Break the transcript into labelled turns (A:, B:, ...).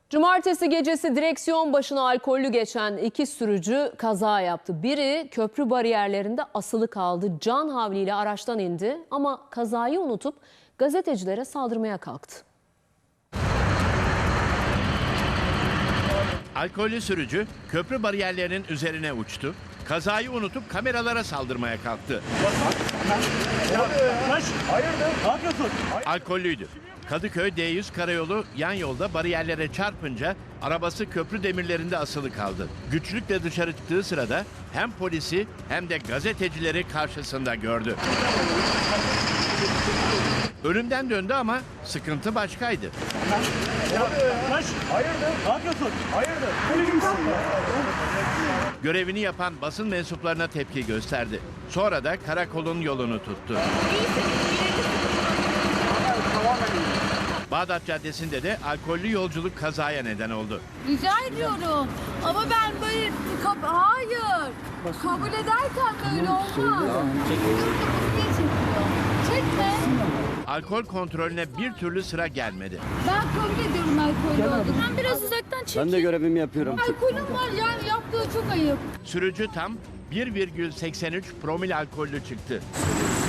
A: Cumartesi gecesi direksiyon başına alkollü geçen iki sürücü kaza yaptı. Biri köprü bariyerlerinde asılı kaldı. Can havliyle araçtan indi ama kazayı unutup gazetecilere saldırmaya kalktı.
B: Alkollü sürücü köprü bariyerlerinin üzerine uçtu. Kazayı unutup kameralara saldırmaya kalktı.
C: Hayırdır? Ne yapıyorsun?
B: Alkollüydü. Kadıköy D100 karayolu yan yolda bariyerlere çarpınca arabası köprü demirlerinde asılı kaldı. Güçlükle dışarı çıktığı sırada hem polisi hem de gazetecileri karşısında gördü. Ölümden döndü ama sıkıntı başkaydı.
C: Hayırdır? Ne yapıyorsun? Hayırdır? Böyle misin?
B: Görevini yapan basın mensuplarına tepki gösterdi. Sonra da karakolun yolunu tuttu. Bağdat Caddesi'nde de alkollü yolculuk kazaya neden oldu.
D: Rica ediyorum. Ama ben böyle hayır. Kabul ederken böyle olmaz. Çekme.
B: Alkol kontrolüne bir türlü sıra gelmedi.
D: Ben kabul ediyorum alkollü olduğunu. Ben biraz uzaktan çekeyim.
E: Ben de görevimi yapıyorum.
D: Alkolüm var yani yaptığı çok ayıp.
B: Sürücü tam 1,83 promil alkollü çıktı.